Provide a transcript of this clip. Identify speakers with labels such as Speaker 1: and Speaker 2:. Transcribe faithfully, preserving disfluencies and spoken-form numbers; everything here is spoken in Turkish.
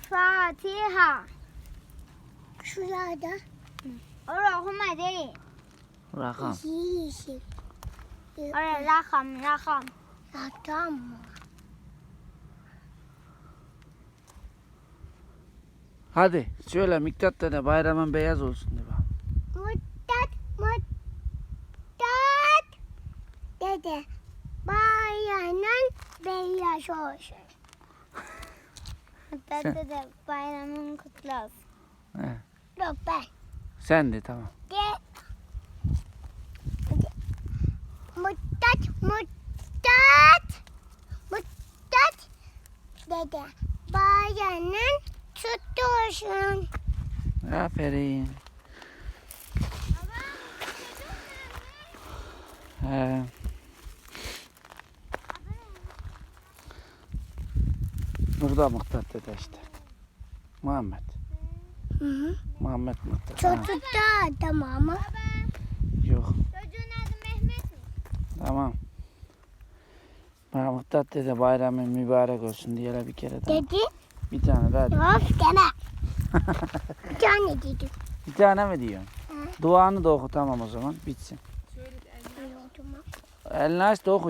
Speaker 1: Fatiha.
Speaker 2: Şurada
Speaker 1: Orada okuma değil.
Speaker 3: Rakam.
Speaker 2: yeşil.
Speaker 1: Orada rakam, rakam.
Speaker 2: Rakam mı?
Speaker 3: Hadi söyle Miktat dede bayramın beyaz olsun de bak.
Speaker 2: Muttat, muttat. Dede, bayramın beyaz olsun.
Speaker 1: Hatta dede bayramın kutlu olsun.
Speaker 3: He.
Speaker 2: Yok ben.
Speaker 3: Sen de tamam.
Speaker 2: De. Muttat, muttat. Muttat. Dede, bayramın kutlu olsun.
Speaker 3: Aferin. He. Burada Miktat dede işte. Muhammed.
Speaker 2: Hı hı.
Speaker 3: Muhammed Miktat. Ha,
Speaker 2: Çocuk da tamam mı?
Speaker 3: yok.
Speaker 1: Çocuğun adı Mehmet mi?
Speaker 3: Tamam. Bana Miktat dede bayramın mübarek olsun diye bir kere daha.
Speaker 2: Dedi.
Speaker 3: Bir tane daha. de.
Speaker 2: Of deme. Bir tane dedi.
Speaker 3: Bir tane mi diyorsun?
Speaker 2: Hı.
Speaker 3: Duanı da oku tamam o zaman bitsin.
Speaker 2: Öyle oldu mu?
Speaker 3: Elini aç da oku.